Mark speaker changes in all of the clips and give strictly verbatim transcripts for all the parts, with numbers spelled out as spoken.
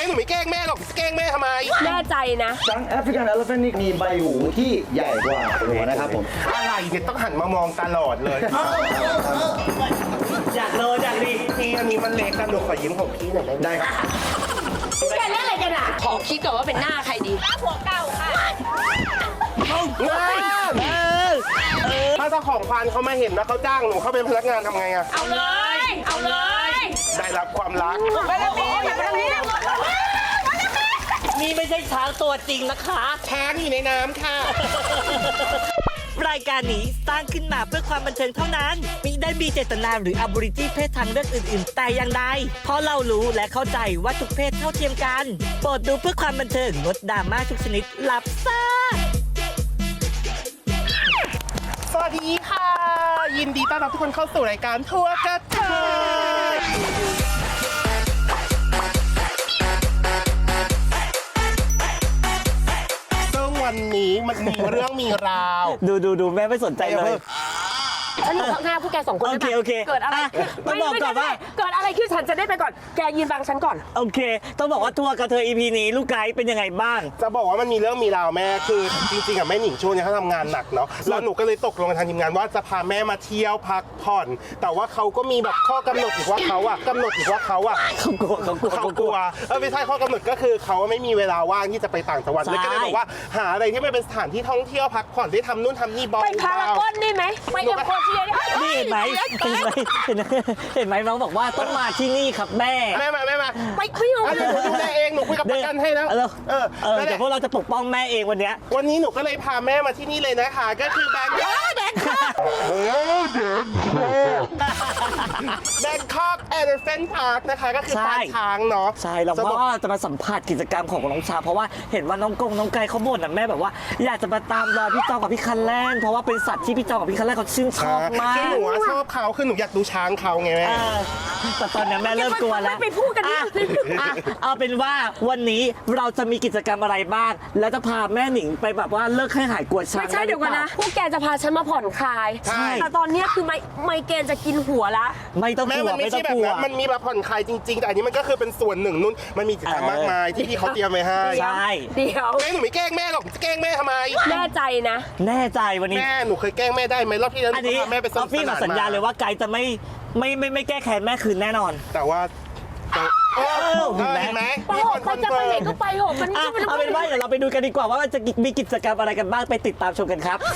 Speaker 1: หนูไม่แกล้งแม่หรอกแกล้งแม่ทำไม
Speaker 2: แน่ใจนะ
Speaker 3: ช้างแอฟริกันเอลเฟนนี่มีใบหูที่ใหญ่กว่าหัวนะครับผม
Speaker 1: อะไรเนี่ยต้องหันมามองตลอดเลย
Speaker 4: อยากโลอยากดี
Speaker 1: พี่อันนี้มันเล็กกันหนูขอยิ้มของพี่หน่อยได้ไหม
Speaker 3: ได้ครับ
Speaker 2: แกเล่นอะไรกันอ่ะขอคิดก่อนว่าเป็นหน้าใครดีหน้าผัวเก่าค่ะ
Speaker 1: ถ้าเจ้าของควานเขามาเห็นแล้วเขาจ้างหนูเขาเป็นพนักงานทำไงอะ
Speaker 2: เอาเลยเอาเลย
Speaker 1: ได้รับความรัก
Speaker 2: ไปแล้วพี่ไปแล้วพี่
Speaker 4: นี่ไม่ใช่ช้างตัวจริงนะคะ
Speaker 1: ช้างอยู่ในน้ำค่ะ
Speaker 4: รายการนี้สร้างขึ้นมาเพื่อความบันเทิงเท่านั้นมิได้มีเจตนาหรืออบริจีเพศทางเลือกอื่นๆแต่อย่างใดเพราะเรารู้และเข้าใจว่าทุกเพศเท่าเทียมกันโปรดดูเพื่อความบันเทิงงดดราม่าทุกชนิดหลับซ่า
Speaker 1: สวัสดีค่ะยินดีต้อนรับทุกคนเข้าสู่รายการทัวร์กระเทยซึ่งวันนี้มันมีเรื่องมีราว
Speaker 4: ดูดูดูแม่ไม่สนใจเลย
Speaker 2: ฉันอยู่ข้างหน้าพวกแกสองคน
Speaker 4: โอเคโอเค
Speaker 2: เกิดอะไร
Speaker 4: ต้องบอกก่อนว่า
Speaker 2: เกิดอะไรขึ้นฉันจะได้ไปก่อนแกยืนฟังฉันก่อน
Speaker 4: โอเคต้องบอกว่าทัวร์กระเทย อี พี นี้ลูกไก่เป็นยังไงบ้าง
Speaker 1: จะบอกว่ามันมีเรื่องมีราวแม่คือจริงๆอะแม่หนิงช่วงนี้เขาทำงานหนักเนาะแล้วหนูก็เลยตกลงกับทางทีมงานว่าจะพาแม่มาเที่ยวพักผ่อนแต่ว่าเขาก็มีแบบข้อกำหนดอีกว่าเขาอะกำหนดอีกว่าเขาอะ
Speaker 4: เขากลัวเขากลัว
Speaker 1: เขากลัวเออไม่ใช่ข้อกำหนดก็คือเขาไม่มีเวลาว่างที่จะไปต่างจังหวัดเลยก็เลยบอกว่าหาอะไรที่มันเป็นสถานที่ท่องเที่ยวพักผ่อนได้ทำนู่นทำนี่บอล
Speaker 2: ไปพารากอนนี่ไหมไปเอ็มโคเชีย
Speaker 4: นี่เห็นไหมเห็นไหมเห็นไหมเห็นไหมน้องบอกว่าต้องมาที่นี่ครับแม่
Speaker 1: แม่มาแม่มา
Speaker 2: ไปพี่หนู
Speaker 1: หนูดูแลเองหนูคุยกับประกันให้แล้ว
Speaker 4: เออเออเออแต่พวกเราจะปกป้องแม่เองวันนี้
Speaker 1: วันนี้หนูก็เลยพาแม่มาที่นี่เลยนะคะก็คือแบงค์แบงค์คอกแบงคอกเอเลฟเฟนต์พาร์คนะคะก็คือปางช้างเนาะ
Speaker 4: ใช่เราว่าจะมาสัมผัสกิจกรรมของน้องชาเพราะว่าเห็นว่าน้องกงน้องไก่เขาบ่นนะแม่แบบว่าอยากจะมาตามรอยพี่จองกับพี่คันแรกเพราะว่าเป็นสัตว์ที่พี่จองกับพี่คันแรกเขาชื่นชอบมาก
Speaker 1: คือหนูชอบเขาคือหนูอยากดูช้างเขาไงแม่
Speaker 4: แต่ตอนนี้แม่เริ่มกลัวแล้ว
Speaker 2: ไปพูดกันดิ
Speaker 4: เอาเป็นว่าวันนี้เราจะมีกิจกรรมอะไรบ้างแล้วจะพาแม่หนิงไปแบบว่าเลิกให้หายกลัวช้าง
Speaker 2: ไม่ใช่เดี๋ยวกันนะพวกแกจะพาฉันมาผ่อนคลายแต่ตอนนี้คือไมไมเกรนจะกินหัวละ
Speaker 4: ไม่ต้องกลัว
Speaker 1: ไม่ต้องกลัวมันมีแบบผ่อนคลายจริงๆแต่อันนี้มันก็คือเป็นส่วนหนึ่งนู่นมันมีกิจกรรมมากมายที่พี่เขาเตรียมไว้ให้
Speaker 4: ใช่
Speaker 2: เดี๋ยว
Speaker 1: แม่หนูไม่แกล้งแม่หรอกแกล้งแม่ทำไม
Speaker 2: แน่ใจนะ
Speaker 4: แน่ใจวันนี้
Speaker 1: แม่หนูเคยแกล้งแม่ได้ไหมรอบที่แล้วหนูพาแม่ไปสนุกสนานมา
Speaker 4: พี่มาสัญญาเลยว่าไกด์จะไม่ไม่ไม่ไม่แก้แค้นแม่คืนแน่นอน
Speaker 1: แต่ว่าเห็นไหม
Speaker 2: ไปหกคนจะไปไหนก็ไปหกมัน
Speaker 4: เอาเป็นว่าเดี๋ยวเราไปดูกันดีกว่าว่าจะมีกิจกรรมอะไรกันบ้างไปติดตามชมกันครับ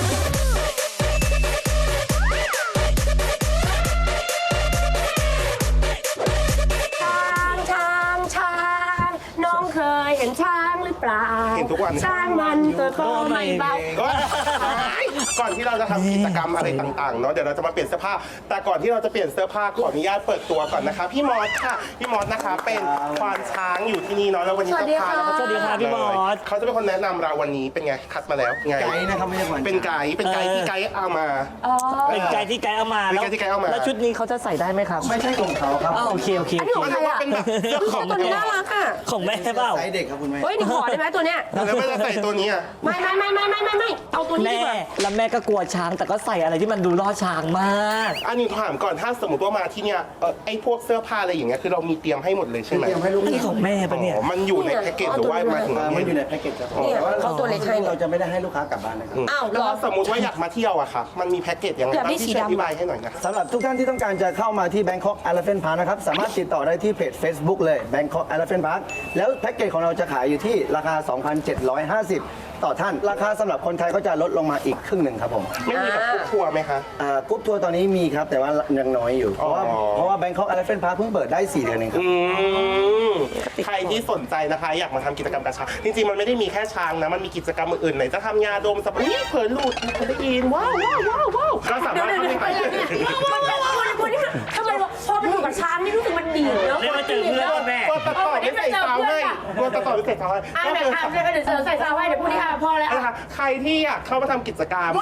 Speaker 2: เคยเห็นช้างหรือเปล่า
Speaker 1: เห็นทุกวัน
Speaker 2: ช้างมันตัวโตไม่เบา
Speaker 1: ก่อนที่เราจะทำกิจกรรมอะไรต่างๆเนาะเดี๋ยวเราจะมาเปลี่ยนเสื้อผ้าแต่ก่อนที่เราจะเปลี่ยนเสื้อผ้าขออนุญาตเปิดตัวก่อนนะคะพี่มอสค่ะพี่มอสนะคะเป็นควานช้างอยู่ที่นี่เนาะแล้ววันนี้จะพา
Speaker 4: สวัสดีค่ะพี่มอส
Speaker 1: เขาจะเป็นคนแนะนำเราวันนี้เป็นไงคัดมาแล้วไง
Speaker 3: ไกด์นะครับไม่ใช่ควาน
Speaker 1: เป็นไกด์เป็นไกด์ที่ไกด์เอามา
Speaker 4: เป็นไกด์ที่ไกด์เอามา
Speaker 1: แล้วที่ไกด์เอามา
Speaker 4: แล้วชุดนี้เขาจะใส่ได้ไหมครับ
Speaker 3: ไม่ใช่ของเขาครับ
Speaker 4: โอเคโอเค
Speaker 2: อันนี้ของใครอ่ะ
Speaker 1: เป็นแบบเสื้อของ
Speaker 2: ตัวนี้น่ารักอ่ะ
Speaker 4: ของแม่เปล่า
Speaker 3: ไซส์เด็กครับคุณแม่
Speaker 2: เฮ้ยนี่ขอได้ไหมตัวเนี้ย
Speaker 1: แล้วไม่จะใส่ตัวนี้อ่ะ
Speaker 2: ไม่ไม่ไม่ไม่ไม่ไม่ไม่เอาตัวนี้ดีกว่า
Speaker 4: แล้วแม่ก็กลัวช้างแต่ก็ใส่อะไรที่มันดูล่อช้างมาก
Speaker 1: อันนี้ถามก่อนถ้าสมมติว่ามาที่เนี้ยไอ้พวกเสื้อผ้าอะไรอย่างเงี้ยคือเรามีเตรียมให้หมดเลยใช่ไหม
Speaker 3: เตรียมให้ลูก
Speaker 4: นี่ของแม่ปะเนี่ย
Speaker 1: มันอยู่ในแพ็กเกจหรือว่ามาถึง
Speaker 3: มันอยู่ในแพ็กเกจครับแต่ว่าเราจะไม่ได้ให้ลูกค้ากลับบ้านนะครับ
Speaker 2: อ้าว
Speaker 1: แล้วสมมติว่าอยากมาเที่ยวอะครับมันมีแพ็กเกจยังไงบ้างที่อธิบายให้หน่อยนะ
Speaker 3: สำหรับทุกท่านที่ต้องการจะเข้ามาที่ Bangkok Elephant Park นะครับสามารถติดต่อได้ที่เพจ Facebook เลย Bangkok Elephant Park แล้วแพ็กเกจของเราจะขายอยู่ที่ราคา สองพันเจ็ดร้อยห้าสิบ ต่อท่านราคาสำหรับคนไทยก็จะลดลงมาอีกครึ่งหนึ่งครับผม
Speaker 1: ไม่มีแบบกรุ๊ปทัวร์ไหมคะ
Speaker 3: กรุ๊ปทัวร์ตอนนี้มีครับแต่ว่ายังน้อยอยู่เพราะว่าเพราะว่า Bangkok Elephant Park เพิ่งเปิดได้สี่เดือนเองครับ
Speaker 1: ใครที่สนใจนะคะอยากมาทำกิจกรรมกับช้างจริงๆมันไม่ได้มีแค่ช้างนะมันมีกิจกรรมอื่นๆไหนจะทำยาดมสปาร์ตี้เผยลูดเคยได้ยินว้าวว้าวว้าวว้าวก็สามารถทำได้
Speaker 2: ทำไมพอไปอยู่กับช้างนี่รู้สึกมันดีเนาะ
Speaker 4: เรียกว่าเจอเพื่อนแม่
Speaker 1: ตัวตัดต่อไม่ใส่ซาวให้ตัวตัดต่อไม่ใส่ซาวให้
Speaker 2: อ่ะเดี๋ยวอ่ะเดี๋ยวเดี๋ยวใส่ซาวให้เดี๋ยวพูดที่ค่ะพอแล้ว
Speaker 1: ใครที่อยากเข้ามาทำกิจกรรม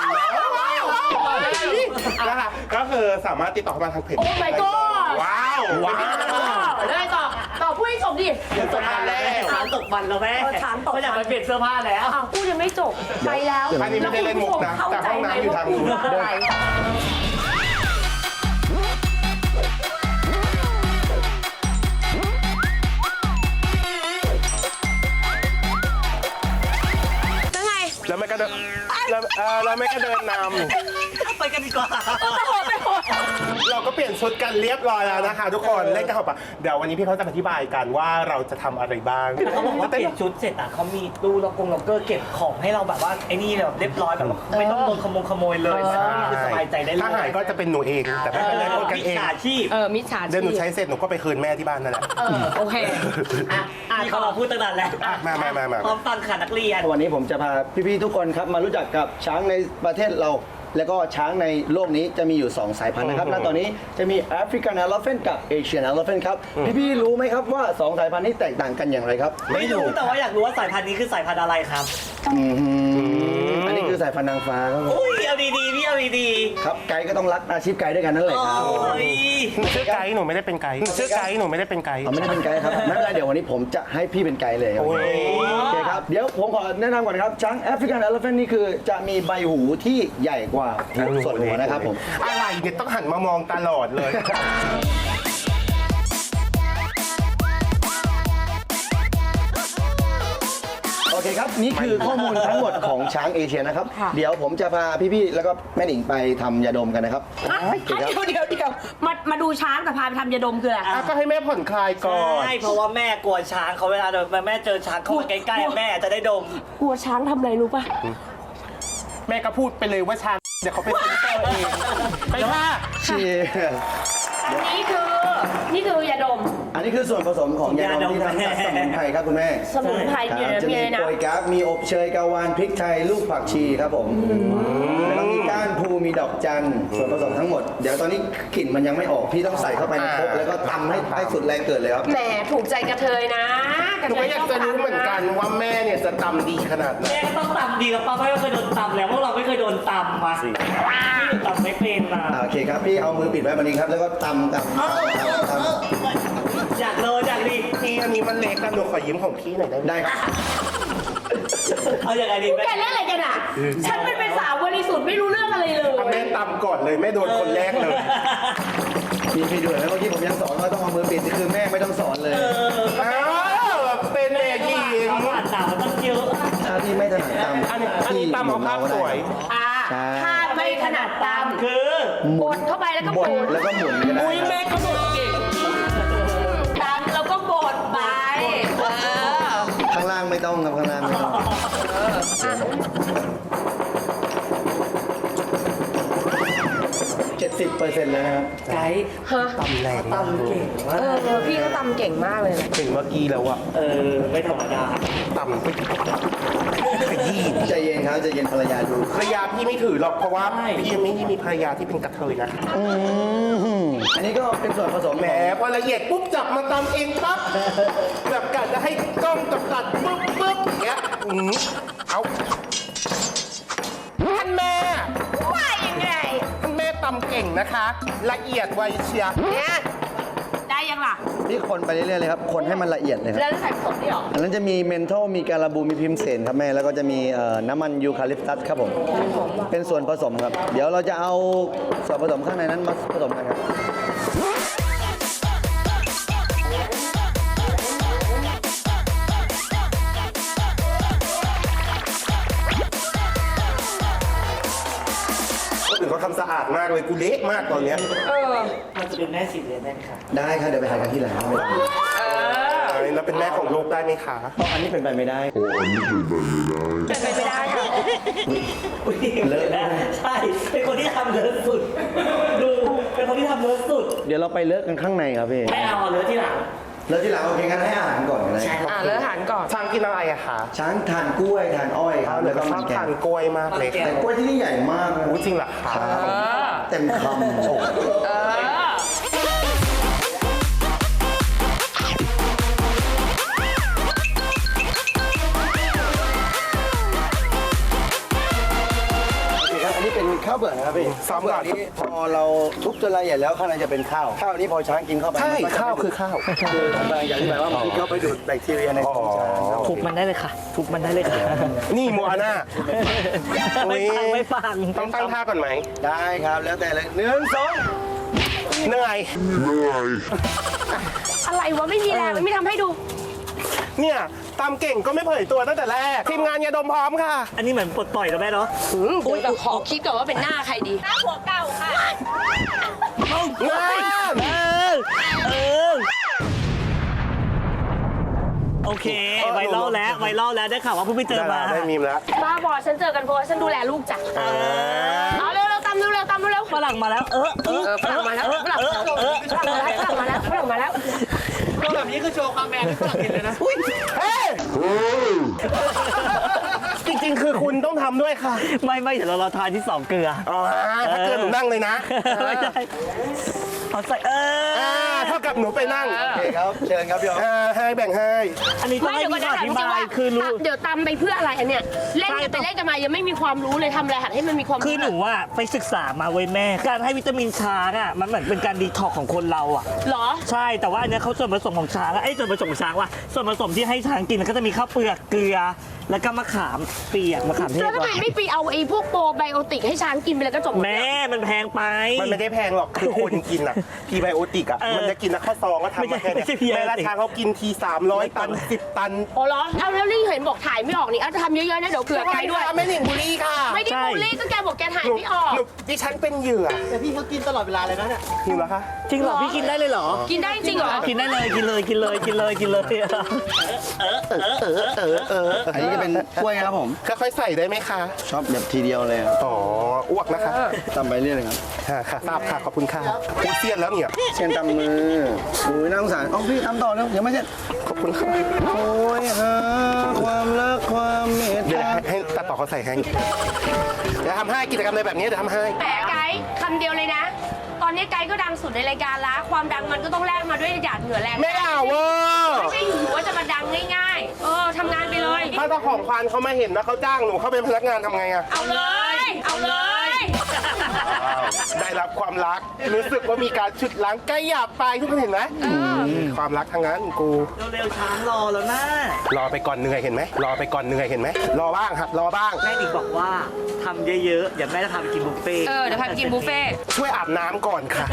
Speaker 1: นะคะก็คือสามารถติดต่อมาทางเพจ
Speaker 2: โอ้ my god
Speaker 1: ว้าวว้าว
Speaker 2: ได้ต่อต่อพูดให้จบดิ
Speaker 4: จบมันแล้วช้างตกมันแล้วแม่
Speaker 2: ช้างตก
Speaker 4: ไม่อยากไปเปลี่ยนเสื้อผ้าแล้ว
Speaker 2: พูดยังไม่จบไปแล้ว
Speaker 1: อันนี้ไม่ได้เล่นมุกนะแต่ห้องน้ำอยู่ทางนู้นแล้วเออแล้วแม่ก็เดินน
Speaker 4: ไปกันดีกว่า
Speaker 1: ำเราก็เปลี่ยนชุดกันเรียบร้อยแล้วนะคะ ทุกคนเล่นกันเข้าไปเดี๋ยววันนี้พี่เขาจะอธิบายกันว่าเราจะทำอะไรบ้าง
Speaker 4: เขาบอกว่าเปลี่ยนชุดเสร็จอ่ะเขามีตู้ล็อกกงล็อกเกอร์เก็บของให้เราแบบว่าไอ้นี่แบบเรียบร้อยแบบว่าไม่ต้องโดนขโมยขโมยเลยคือสบายใจได้เลย
Speaker 1: ถ้าหายก็จะเป็นหนูเองแต่ไม่เป็นไรพูดกันเอง
Speaker 4: มิจฉาชีพ
Speaker 2: เออ มิจฉาชีพ
Speaker 1: เดี๋ยวหนูใช้เสร็จหนูก็ไปคืนแม่ที่บ้านนั่นแหละ
Speaker 2: เออ โอเค อ่ะอ่ะ
Speaker 4: นี่เขามาพูดตั้งนานแล้ว
Speaker 1: อ่ะมามามามา
Speaker 4: พร้อมฟังค่ะนักเรียน
Speaker 3: วันนี้ผมจะพาพี่ๆทุกคนครับมารู้จักกับช้างในประเทศเรา แล้วก็ช้างในโลกนี้จะมีอยู่ สอง สายพันธุ์นะครับ
Speaker 1: อือฮึ
Speaker 3: และตอนนี้จะมี African Elephant กับ Asian Elephant ครับ พี่ๆรู้ไหมครับว่า สอง สายพันธุ์นี้แตกต่างกันอย่างไรครับ
Speaker 4: ไม่รู้แต่ว่าอยากรู้ว่าสายพันธุ์นี้คือสายพันธุ์อะไรครับ
Speaker 3: อืมอันนี้คือสายพันธุ์นางฟ้าครับผม
Speaker 4: อุ้ยเอาดีๆพี่เอาดี
Speaker 3: ครับไกด์ก็ต้องรักอาชีพไกด์ด้วยกันนั่นแห
Speaker 4: ๆ
Speaker 3: ละ
Speaker 4: โอ้
Speaker 3: ครับ
Speaker 4: ย
Speaker 1: หนูชื่อไกด์หนูไม่ได้เป็นไกด์หนูชื่อไกด์หนูไม่ได้เป็นไกด์
Speaker 3: เอาไม่ได้เป็นไกด์ครับไม่เป็นไรเดี๋ยววันนี้ผมจะให้พี่เป็นไกด์เลยครับ
Speaker 1: โอ้ย
Speaker 3: โอเคครับเดี๋ยวผมขอแนะนำก่อนนะครับช้าง African Elephant นี่คือจะมีใบหูที่ใหญ่กว่าหูส่วนหัวนะครับผม
Speaker 1: อะไรเนี่ยต้องหันมามองตลอดเลย
Speaker 3: โอเคครับ นี่คือข้อมูลทั้งหมดของช้างเอเชียนะครับ
Speaker 2: ค่ะ
Speaker 3: เดี๋ยวผมจะพาพี่ๆแล้วก็แม่หนิงไปทำยาดมกันนะครับ
Speaker 2: อ่ะ
Speaker 3: โอเคครับ
Speaker 2: เดี๋ยวเดี๋ยวเดี๋ยวมามาดูช้างแต่พาไปทำยาดมคืออะไร
Speaker 1: อ่ะก็ให้แม่ผ่อนคลายก่อน
Speaker 4: ใช่เพราะว่าแม่กลัวช้างเขาเวลาเดินแม่เจอช้างเข้ามาใกล้ๆแม่จะได้ดม
Speaker 2: กลัวช้างทำอะไรรู้ป่ะ
Speaker 1: แม่ก็พูดไปเลยว่าชาเดี๋ยวเขาไปเซ็นเซอร์เองไปค่ะ
Speaker 3: เชียร์
Speaker 2: อันนี้คือ นี่คือยาดม
Speaker 3: อันนี้คือส่วนผสมของยาดมที่ทำจากสมุนไพรครับคุณแม่
Speaker 2: สมุนไพร
Speaker 3: ค
Speaker 2: อยู่
Speaker 3: รับ
Speaker 2: ใน
Speaker 3: จะ
Speaker 2: มี
Speaker 3: มี
Speaker 2: อะไรนะ
Speaker 3: โปยกั๊กมีอบเชยกาวานพริกไทยลูกผักชีครับผมแล้วก็มีก้านพูมีดอกจันส่วนผสมทั้งหมดเดี๋ยวตอนนี้กลิ่นมันยังไม่ออกพี่ต้องใส่เข้าไปในครกแล้วก็ตำให้ให้สุดแรงเกิดเลยครับ
Speaker 2: แหมถูกใจกระเทยนะกระ
Speaker 1: หนู
Speaker 2: เท
Speaker 1: ก็
Speaker 2: ย
Speaker 1: อยากจะรู้เหมือนกันว่าแม่เนี่ยจะตำดีขนาดไหน
Speaker 4: แม่ก็ต้องตำดีกับป้าเพราะไม่เคยโดนตำแล้วพวกเราไม่เคยโดนตำมาพี่ตำไม่เป็นมา
Speaker 3: อ่าโอเคครับพี่เอามือปิดไว้แบบนี้ครับแล้วก็ตำตำตำตำ
Speaker 4: อยากโดนอยากดี
Speaker 1: พี่อันนี้มันเล็กนะหนูขอยิ้มของพี่หน่อยได้ไหม
Speaker 3: ได้ครับ
Speaker 4: เอาอย่างไรดี
Speaker 2: พวก
Speaker 4: แม่
Speaker 2: แกเล่นอะไรกันอ่ะ ฉันเป็นเป็นสาวบริสุทธิ์ไม่รู้เรื่องอะไรเลย
Speaker 1: เอาแม่ตำก่อนเลยแม่โดนคนแรกเลย
Speaker 3: พี่พี่ด้วยนะเมื่อกี้ผมยังสอนว่าต้องเอามือปิดคือแม่ไม่ต้องสอนเลย
Speaker 1: อ้าวเป็นแม่หญิง
Speaker 4: เขาผ่านหนาวมันต้องเยอะ
Speaker 3: ถ้าพี่ไม่ถนัดตำ
Speaker 1: อันนี้อันนี้ตำเอาภาพสวย
Speaker 2: อ่า
Speaker 3: ใช่
Speaker 2: ถ้าไม่ถนัดตาม
Speaker 4: คือ
Speaker 2: บดเข้าไปแล้วก็
Speaker 3: บบ ด
Speaker 2: ด
Speaker 3: แล้วก็หมุนก็ได้
Speaker 1: อุ้ย
Speaker 3: ครับ
Speaker 1: แม่ก็บดเก่ง
Speaker 2: ตามแล้วก็บดไปเออ
Speaker 3: ข้างล่างไม่ต้องครับข้างล่างไม่ต้องเจ็ดสิบเปอร์เซ็นต์แล้วนะครับ
Speaker 4: ไกด์
Speaker 2: ฮะ
Speaker 1: ตำแรง
Speaker 4: ตำเก่งมา
Speaker 2: เอก อพี่เขาตำเก่งมากเลยนะ
Speaker 1: ถึงเมื่อกี้แล้วอะ
Speaker 4: เออไม่ธรรมดา
Speaker 1: ตำไปขยี้
Speaker 3: ใจเย็นครับใจเย็นภรรยาดู
Speaker 1: ภรรยาพี่ไม่ถือหรอกเพราะว่าพี่ไม่ได้มีภรรยาที่เป็นกระเทยนะ
Speaker 3: อืมอันนี้ก็เป็นส่วนผสม
Speaker 1: แหม
Speaker 3: ของ
Speaker 1: พอละเอียดปุ๊บจับมาตำเองปั๊บแบบกะจะให้กล้องจับตัดปุ๊บปุ๊บอย่างเงี้ยอืมเอาท่านแม่
Speaker 2: ว่ายังไง
Speaker 1: ท่านแม่ตำเก่งนะคะ ละเอียดไวเชียร์
Speaker 2: เนี่ยได้ยังล่ะ
Speaker 3: นี่คนไปเรื่อยๆเลยครับ คนให้มันละเอียดเลยครับ
Speaker 2: แล้วใส่ผสมนี่หรอ
Speaker 3: อันนั้นจะมีเมนทอลมีการาบูมีพิมเสนครับแม่ แล้วก็จะมีเอ่อน้ำมันยูคาลิปตัสครับผม เป็นส่วนผสมครับ เดี๋ยวเราจะเอาส่วนผสมข้างในนั้นมาผสมกันครับ
Speaker 1: คนอื่นเขาทำสะอาดมากเลยกูเละมากตอนเนี้ย
Speaker 2: เออ
Speaker 4: มันจะเป็นแม่สิบเลยได้ไหมคะ
Speaker 3: ได้ครับเดี๋ยวไปหากันที่ร้านไม่ต้อง
Speaker 1: เอ้ยแล้วเป็นแม่ของลูกได้ไหมคะ
Speaker 3: อันนี้เป็นไปไม่ได้
Speaker 2: เป็นไปไม่ได้ค่ะ
Speaker 4: อุ๊ย
Speaker 3: เลอะนะ
Speaker 4: ใช่ เป็นคนที่ทำเลอะสุด ดู เป็นคนที่ทำเลอะสุด
Speaker 3: เดี๋ยวเราไปเลอะกันข้างในครับพี่
Speaker 4: ไม่เอาเลอะที่หลัง
Speaker 3: แล้วที่หลังโอเคงั้นให้อาหารก่อนก็ได้
Speaker 4: ใช่ครับ
Speaker 2: อ่าเลือกอาหารก่อน
Speaker 1: ช้างกินอะไรอะคะ
Speaker 3: ช้างทานกล้วยทานอ้อยครับ
Speaker 1: หนู
Speaker 3: แล้ว
Speaker 1: ก็
Speaker 3: ก็
Speaker 1: ช
Speaker 3: มั
Speaker 1: อน บ
Speaker 3: แก
Speaker 1: ทาง นกล้วยมากเลย
Speaker 4: มันแกง
Speaker 3: แต่กล้วยที่นี่ใหญ่มากนะ
Speaker 1: อู้จริงเหรอคะ
Speaker 3: เต็มคำโอ้
Speaker 2: เออ
Speaker 3: โอเคครับอันนี้เป็นข้าวเบื่อนะครับพี่
Speaker 1: ซ้ำก่อน
Speaker 3: ข้าวเบื่นี้พอเราทุบจนละเอียดแล้วข้างในจะเป็นข้าว ข้าวนี้พอช้างกินเข้าไป
Speaker 1: ใช่
Speaker 3: มันก็จะ
Speaker 1: ข้าวคือข้าว
Speaker 3: คือผมกำลังจะอธิบายว่ามันเข้าไปดูดแบคทีเรียในท้องช้างครับ
Speaker 4: ทุบมันได้เลยค่ะ ทุบมันได้เลยค่ะ
Speaker 1: นี่โมอาน่า
Speaker 4: ไม่ฟังไม่ฟัง
Speaker 1: ต้องตั้งท่าก่อนไหม
Speaker 3: ได้ครับแล้วแต่เลยหนึ่งสอง
Speaker 1: เหนื่อย
Speaker 2: อะไรวะไม่มีแรงไม่ทำให้ดู
Speaker 1: เนี่ยตามเก่งก็ไม่เผยตัวตั้งแต่แรกทีมงานยาดมพร้อมค่ะ
Speaker 4: อันนี้เหมือนปลดปล่อยแล้วแม่เนาะ
Speaker 2: เดี๋ยวแบบขอคิดก่อนว่าเป็นหน้าใครดีหน้าหัวเก่าค่ะ
Speaker 1: งาน
Speaker 4: เออเออโอเคไวรัลแล้วไวรัลแล้วได้ข่าวว่าเพิ่งไปเจอมา
Speaker 1: ได้มีมแล้ว
Speaker 2: บ้าบอฉันเจอกันเพราะว่าฉันดูแลลูกจ้ะ
Speaker 4: เออ
Speaker 2: เอาเร็วเร็วๆตามเร็วเร็วๆตามเร็วเร็ว
Speaker 4: ฝรั่งมาแล้ว เออเออ
Speaker 2: เออฝรั่งมาแล้วฝรั่งมาแล้วฝรั่งมาแล้วฝรั่งมาแล้วฝรั่งมาแล้ว
Speaker 5: แบบนี้คือโชว์ความแมนให้ฝรั่งเห็นเลยนะ
Speaker 1: เฮ้ยจริงๆ คือคุณต้องทำด้วยค่ะ
Speaker 4: ไม่ไม่เดี๋ยวเราเราทานที่สองเกลือ
Speaker 1: อ๋อถ้าเกิดหนูนั่งเลยนะ
Speaker 4: ไม่ได้เอาใส่เออ
Speaker 1: อ่าเท่ากับหนูไปนั่ง
Speaker 3: โอเคครับ เชิญครับพี่อ๋อ
Speaker 1: อ่าให้แบ่งให้
Speaker 4: อันนี้ต้อง
Speaker 2: ไม่
Speaker 4: ให้
Speaker 2: เดี๋ยว
Speaker 4: พี่
Speaker 2: ก่อน
Speaker 4: ขอ
Speaker 2: นะ
Speaker 4: อธิบายคือรู้
Speaker 2: เดี๋ยวตามไปเพื่ออะไรอันเนี้ยเล่นกันไปเล่นกันมายังไม่มีความรู้เลยทำอะไรหัดให้มันมีความรู้
Speaker 4: คือหนูว่าไปศึกษามาเว้ยแม่ การให้วิตามินช้างอ่ะมันเหมือนเป็นการดีท็อกของคนเราอ่ะ
Speaker 2: เหรอ
Speaker 4: ใช่แต่ว่าอันเนี้ยเขาส่วนผสมของช้างอะไอ้ยส่วนผสมของช้างว่าส่วนผสมที่ให้ช้างกินก็จะมีข้าวเปลือกเกลือ แล้วก็มะขามเปียกมะขามเทศ
Speaker 2: แล้วทำไมไม่ไปเอาไอ้พวกโปรไบโอติกให้ช้างกินไปเลยก็จบ
Speaker 4: แม่มันแพงไป
Speaker 1: มันไม่ได้แพงหรอก คือคนกินอ่ะพีไบโอติกอ่ะ
Speaker 4: เออ
Speaker 1: มันจะกินนะข้าวซองก็ทำ
Speaker 4: ไม่ใช่
Speaker 1: มาแค่เนี้
Speaker 4: ไม่ใช่ prebiotic
Speaker 1: แม่ราชาเขากินทีสามร้อยตันสิบตัน
Speaker 2: โอ้เหรอเอาแล้วนี่เห็นบอกถ่ายไม่ออกนี่เอาจะทำเยอะๆนะเดี๋ยวเผื่อไกด์ด้วย
Speaker 1: ไม่หนิงบุรีค่ะ
Speaker 2: ไม่ได้บูลลี่ก็แกบอกแกถ่าย
Speaker 1: หนู
Speaker 2: ไม่ออก
Speaker 1: หนูดิฉันเป็นเหยื่อ
Speaker 5: แต่พี่เขากินตลอดเวลาเลยนะเนี่ย
Speaker 1: หิวแล้วคะ
Speaker 4: จริงเหรอพี่กินได้เลยเหรอ
Speaker 2: กินได้จริงเหรอ
Speaker 4: กินได้เลยกินเลยกินเลยกินเลยกินเลย
Speaker 1: เออเออเออ
Speaker 3: อันนี้จะเป็นกล้วยนะครับผม
Speaker 1: ค่อยๆใส่ได้ไหมคะ
Speaker 3: ชอบแบบทีเดียวเลยครับ
Speaker 1: อ๋อ อ้วกนะคะ
Speaker 3: ตำไปเรื่อยเลยครับ
Speaker 1: ค่ะค่ะทราบค่ะ ขอบคุณค่ะกูเซียนแล้วเนี่ย
Speaker 3: เช่นตำมืออุ้ยน่าสงสารอ๋อพี่ทำต่อแล้วยังไม่เสร็จ
Speaker 1: ขอบคุณค่ะ
Speaker 3: โอ้ยฮะความรักความเมต
Speaker 1: เดี๋ยว
Speaker 3: ตา
Speaker 1: ให้ให้ตัดต่อเขาใส่ให้เดี๋ยวทำให้กิจกรรมอะไรแบบนี้เดี๋ยวทำให้
Speaker 2: แหมไกด์คำเดียวเลยนะ ตอนนี้ไกด์ก็ดังสุดในรายการละความดังมันก็ต้องแลกมาด้วยหยาดเหงื่อแรง
Speaker 1: ไม่เอาเวอร์
Speaker 2: ไม่ใช่อยู่ๆว่าจะมาดังง่ายๆ เออทำงานไปเลย
Speaker 1: ถ้าเจ้าของควานเขามาเห็นว่าเขาจ้างหนูเขาเป็นพนักงานทำไงอะ
Speaker 2: เอาเลย เอาเลย
Speaker 1: ได้รับความรัก รู้สึกว่ามีการฉุดล้างใกล้หยาบไปทุกคนเห็นไหมความรักทางนั้นกู
Speaker 4: เร็วๆช้างรอแล้วนะ
Speaker 1: รอไปก่อนเหนื่อยเห็นไหมรอไปก่อนเหนื่อยเห็นไหมรอบ้างครับรอบ้าง
Speaker 4: แม่ดิบอกว่าทำเยอะๆเดี๋ยวแม่จะพาไปกินบุฟเฟ่ต์
Speaker 2: เออเดี๋ยวพาไปกินบุฟเฟ่ต์
Speaker 1: ช่วยอาบน้ำก่อนค่ะ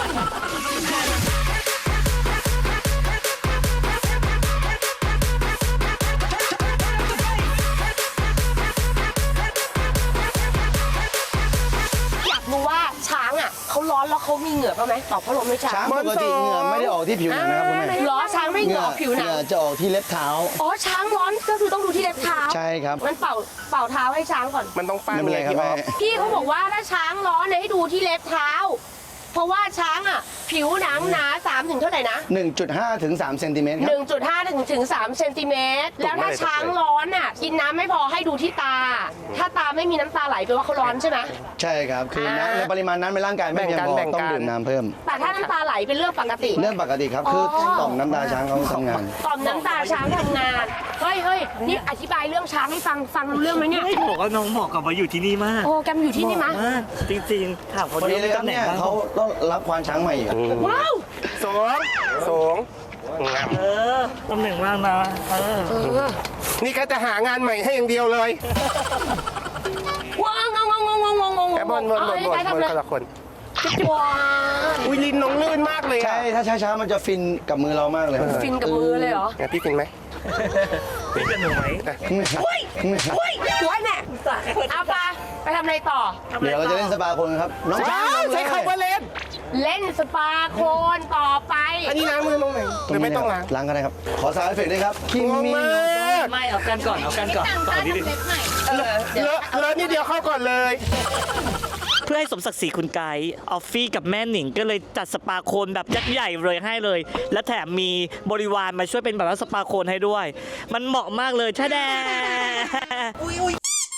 Speaker 2: อยากรู้ว่าช้างอ่ะเขาร้อนแล้วเขามีเหงื่อป่ะไหมตอบพัดลมไม่ช้า
Speaker 3: ช้าง งปกติเหงื่อไม่ได้ออกที่ผิวหนังนะครับคุณแม่
Speaker 2: เหรอช้างไม่เหงื่อออกผิวหนั
Speaker 3: เห
Speaker 2: ง
Speaker 3: งื่อจะออกที่เล็บเท้า
Speaker 2: อ๋อช้างร้อนก็คือต้องดูที่เล็บเท้า
Speaker 3: ใช่ครับ
Speaker 2: มันเป่าเป่าเท้าให้ช้างก่อน
Speaker 1: มันต้องปั้น
Speaker 3: ไม่เป็นไรครับ
Speaker 1: พี่อ
Speaker 3: แม่
Speaker 1: อฟ
Speaker 2: พี่เขาบอกว่าถ้าช้างร้อนเนี่ยให้ดูที่เล็บเท้า เพราะว่าช้างอ่ะ ผิวหนังหนาสามถึงเท่าไหร่นะ
Speaker 3: หนึ่งจุดห้าถึงสามเซนติเมตรครับ
Speaker 2: หนึ่งจุดห้าถึงถึงสามเซนติเมตรแล้วถ้าช้างร้อนอ่ะกินน้ำไม่พอให้ดูที่ตา ถ้าตาไม่มีน้ำตาไหลแปลว่าเขาร้อนใช่ไหม
Speaker 3: ใช่ครับ คือ
Speaker 2: อ่า
Speaker 3: น้ำในปริมาณน้ำในร่างกายไม่เพียงพอ
Speaker 1: แบ่งกัน
Speaker 3: ต้องดื่มน้ำเพิ่ม
Speaker 2: แต่ถ้าน้ำตาไหลเป็นเรื่องปกติ
Speaker 3: เรื่องปกติครับ คือต่อมน้ำตาช้างเขาทำงาน
Speaker 2: ต่อมน้ำตาช้างทำงานเฮ้ยเฮ้ยนี่อธิบายเรื่องช้างให้ฟังฟังรู้เรื่องไหมเนี่ย
Speaker 4: ไม่บอกว่าน้องเหมาะกับมาอยู่ที่นี่มาก
Speaker 2: โอ้แกมอยู่ที่นี่มะ
Speaker 4: เหาะมากจริงๆถามเขา
Speaker 3: วัน
Speaker 4: ดู
Speaker 3: นี้เลยครับ
Speaker 4: ตำแหน่ง
Speaker 3: เนี่ย
Speaker 4: บ้าง
Speaker 3: เขาต้องรับควานช้างใหม่อีกอะ
Speaker 2: ว้าว
Speaker 1: สองสองงาม
Speaker 4: เออตำแหน่งว่างนะเออ
Speaker 2: เออ
Speaker 1: นี่ก็จะหางานใหม่ให้อย่างเดียวเลย
Speaker 2: ว้าวงงงงงงงงง
Speaker 1: แอบนบนบนบนบนคนละคน
Speaker 2: ว้าว
Speaker 1: อุ้ยลิ้นน้องลื่นมากเลยอะ
Speaker 3: ใช่ ถ้าช้าๆมันจะฟินกับมือเรามากเลย
Speaker 2: ฟินกับมือเลยเหรอ
Speaker 1: เนี่ยพี่ฟินไหม
Speaker 4: เป็นกันหนูไหม
Speaker 2: อุ้ยอุ้ยสวยแน่เอาปะไปทำอะไรต่อ
Speaker 3: เดี๋ยวเราจะเล่นสปาคนครับ น้องช้าง
Speaker 1: ว้าว
Speaker 3: ลงเลย
Speaker 1: ใช้คำว่าเล่น
Speaker 2: เล่นสปาโคนต่อไป
Speaker 1: อันนี้ล้างมือตรงไหนหรือไม่ต้องล้าง
Speaker 3: ล้างก็ได้ครับ ขอสายเอฟเฟกต์ด้วยครับคิ
Speaker 1: งง
Speaker 3: มิ
Speaker 1: มาก
Speaker 4: ไม่เอากันก่อนเอากันก่อนต่อที่ดิ
Speaker 2: เออเดี๋ยว
Speaker 1: เลอะเลอะนิดเดียวเข้าก่อนเลย
Speaker 4: เพื่อให้สมศักดิ์ศรีคุณไกด์ออฟฟี่กับแม่หนิงก็เลยจัดสปาโคนแบบยักษ์ใหญ่เลยให้เลย และแถมมีบริวารมาช่วยเป็นแบบว่าสปาโคนให้ด้วย มันเหมาะมากเลยชะแดอุ้ยอุ้ย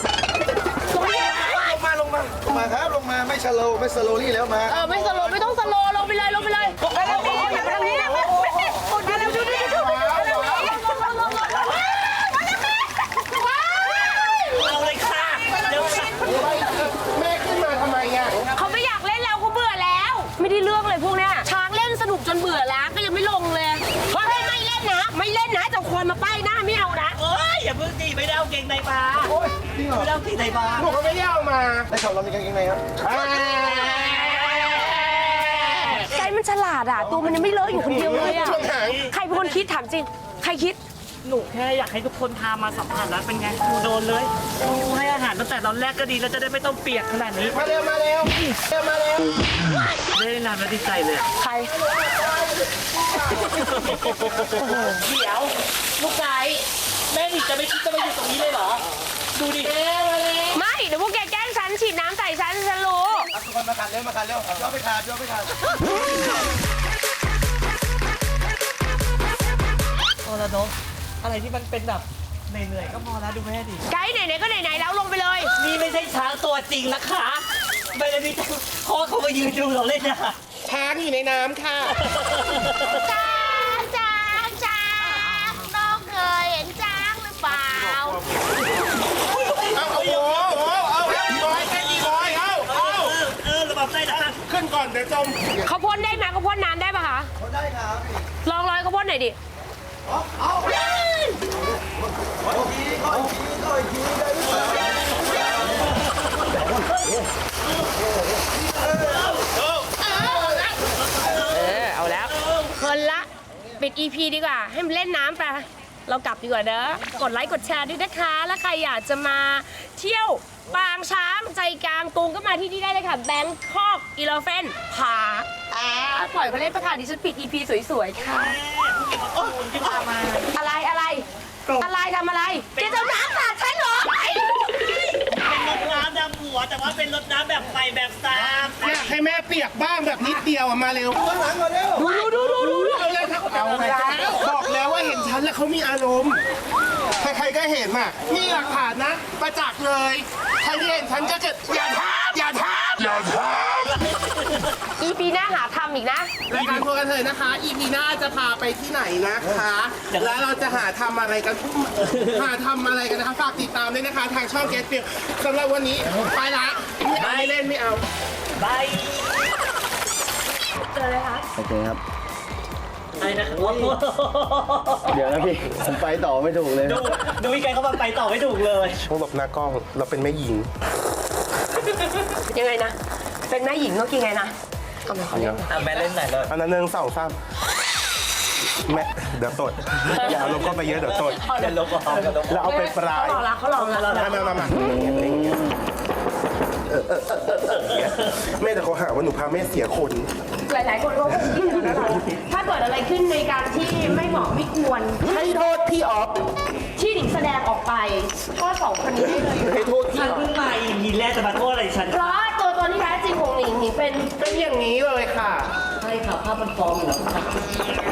Speaker 1: มาลงมา
Speaker 3: ลงมาครับ ลงมาไม่ชะโลไม่สโลลี่แล้วมา
Speaker 2: เออไม่สโลว์ไม่ต้องสโลว์ลงไปเลยลงไปเลยไปทางนี้ไปทางนี้ไปทางนี้ดูดิดูดิ
Speaker 4: เอาเลยค่ะเดี๋ยวค่ะ
Speaker 1: แม่ขึ้นมาทำไมอ่ะ
Speaker 2: เขาไม่อยากเล่นแล้วเขาเบื่อแล้ว ไม่ได้เรื่องเลยพวกเนี้ยช้างเล่นสนุกจนเบื่อแล้วก็ยังไม่ลงเลยเฮ้ยไม่เล่นนะ ไม่เล่นนะจะควรมาป้ายหน้าไม่เอานะ
Speaker 4: เอ้ยอย่าเพิ่งตีไม่ได้เอาเกงในมา
Speaker 3: โอ้ยจริงเหรอ
Speaker 4: ไม่ได้เอาเกงในมา
Speaker 1: หนูก็ไม่ได้เอามา
Speaker 3: ได้ข่าวเรามีกางเกงในครับ
Speaker 2: ไก่มันฉลาดอ่ะตัวมันยังไม่เลอะอยู่คนเดียวเลยอ่ะ
Speaker 1: ช่วงหาง
Speaker 2: ใครเป็นคนคิดถามจริง ใครคิด
Speaker 4: หนูแค่อยากให้ทุกคนพามาสัมผัสแล้วเป็นไงหนูโดนเลยหนูให้อาหารตั้งแต่ตอนแรกก็ดีแล้วจะได้ไม่ต้องเปียกขนาดนี้
Speaker 1: มาเร็วมาเร็วเร็วมาเร็ว
Speaker 4: ได้นานแล้วดีใจเลยอะ
Speaker 2: ใคร
Speaker 4: เดี๋ยวลูกไก่แม่หนิจะไม่คิดจะมาอยู่ตรงนี้เลยเหรอ ดูดิ
Speaker 2: ไม่ เดี๋ยวพวกแกแกล้งฉันฉีดน้ำใส่ฉันฉันรู้
Speaker 3: ทุกคนมาขัดเร็วมาขัดเร็วย่อไปขาดย่อไปขาด
Speaker 4: พอแล้วเนาะอะไรที่มันเป็นแบบเหนื่อยๆก็พอแล้วดูแม่ดิ
Speaker 2: ไกด์ไหนๆก็ไหนๆแล้วลงไปเลย
Speaker 4: นี่ไม่ใช่ช้างตัวจริงนะคะไม่ได้มีแต่พ่อเขามายืนดูเราเล่นนะ
Speaker 1: ช้างอยู่ในน้ำค่ะ
Speaker 2: จ้างจ้างจ้างน้องเคยเห็นจ้างหรือเปล่า
Speaker 1: เอาเอาโอ้โหเอาเอาบอยแค่กี่บอยเอาเอา
Speaker 4: เออระบบได้นะ
Speaker 1: ขึ้นก่อนเดี๋ยวจม
Speaker 2: เขาพ่นได้ไหมเขาพ่นน้ำได้ปะคะ
Speaker 3: คนได้ครับ
Speaker 2: ลองร้อยเขาพ่นหน่อยดิ
Speaker 3: ขออีกทีขออีกทีขออีกทีได้หรือเปล่า
Speaker 2: เออ เอาแล้วคนละ ปิด อี พี ดีกว่า ให้มันเล่นน้ำไป เรากลับดีกว่าเด้อกดไลค์กดแชร์ด้วยนะคะ แล้วใครอยากจะมาเที่ยวปางช้างใจกลางกรุงก็มาที่นี่ได้เลยค่ะ แบงคอกอีเลฟเฟนพาอ่าปล่อยเขาเล่นประค่ะดิฉันปิด อี พี สวยๆ ค่ะ อะไรอะไร อะไรทำอะไรแกจะเอาน้ำสาดฉันเหรอ
Speaker 4: เป็นรถน้ำดำหัวแต่ว่าเป็นรถน้ำแบบไฟแบบซาม
Speaker 1: อยากให้แม่เปียกบ้างแบบนิดเดียวอะมาเร็ว
Speaker 3: ข้างหลังก่อนเร็ว
Speaker 1: ดูดูดูดูดูเอาเลยครับเอาแล้วบอกแล้วว่าเห็นฉันแล้วเขามีอารมณ์ใครๆก็เห็นอ่ะมีหลักฐานนะ ประจักษ์เลยใครที่เห็นฉันก็จะอย่าทำอย่าทำอย่าท
Speaker 2: อี พี หน้าหาทำอีกนะ
Speaker 1: ำรายการพวกกันเถอะนะคะ อีพีหน้าจะพาไปที่ไหนนะคะ แล้วเราจะหาทำอะไรกันหาทำอะไรกันนะคะฝากติดตามด้วยนะคะ ทางช่องเกสฟิลสำหรับวันนี้ไปละไม่เอาไม่เล่นไม่เอา
Speaker 4: บาย
Speaker 2: เจอเลยคะ
Speaker 3: โอเคครับ
Speaker 4: อะไรนะครับ
Speaker 3: เดี๋ยวนะพี่ ผมไปต่อไม่ถูกเลย
Speaker 4: ดูดูวิกันเขามาไปต่อไม่ถูกเลย
Speaker 1: ต้องหลบหน้ากล้องเราเป็นแม่หญิง
Speaker 2: ยังไงนะ เป็นแม่หญิงต้องกินไงนะเอาไปขอเล่น
Speaker 4: อ่ะแม่เล่นไหนเลย
Speaker 1: อันนั้นหนึ่งสองสามแม่เดี๋ยวตดอย่าเอาลงก็ไปเยอะเดี๋ยวตด
Speaker 4: อย่าลบออกอย่าลบ
Speaker 1: แล้วเอาไปปลาย
Speaker 2: เขาลองละเขาลองละ
Speaker 1: มามามามาเออเออเออเออเออแม่แต่เขาหาว่าหนูพาแม่เสียคน
Speaker 2: หลายๆคนก็คงคิดอย่างนั้นแหละถ้าเกิดอะไรขึ้นในการที่ไม่เหมาะไม่ควร
Speaker 1: ให้โทษพี่ออฟ
Speaker 2: ที่หนิงแสดงออกไปก็สองคนนี้ได้เลย
Speaker 1: ให้โทษพี่
Speaker 4: ฉัน
Speaker 1: ออฟ
Speaker 4: เพิ่งมาอีพีแรกจะมาโทษอะไรฉัน
Speaker 2: เพราะตัวตนที่แท้จริงของหนิงหนิงเป็น
Speaker 1: เป็นอย่างนี้เลยค่ะ
Speaker 4: ใช่ค่ะภาพมันฟอร์มอยู่แล้ว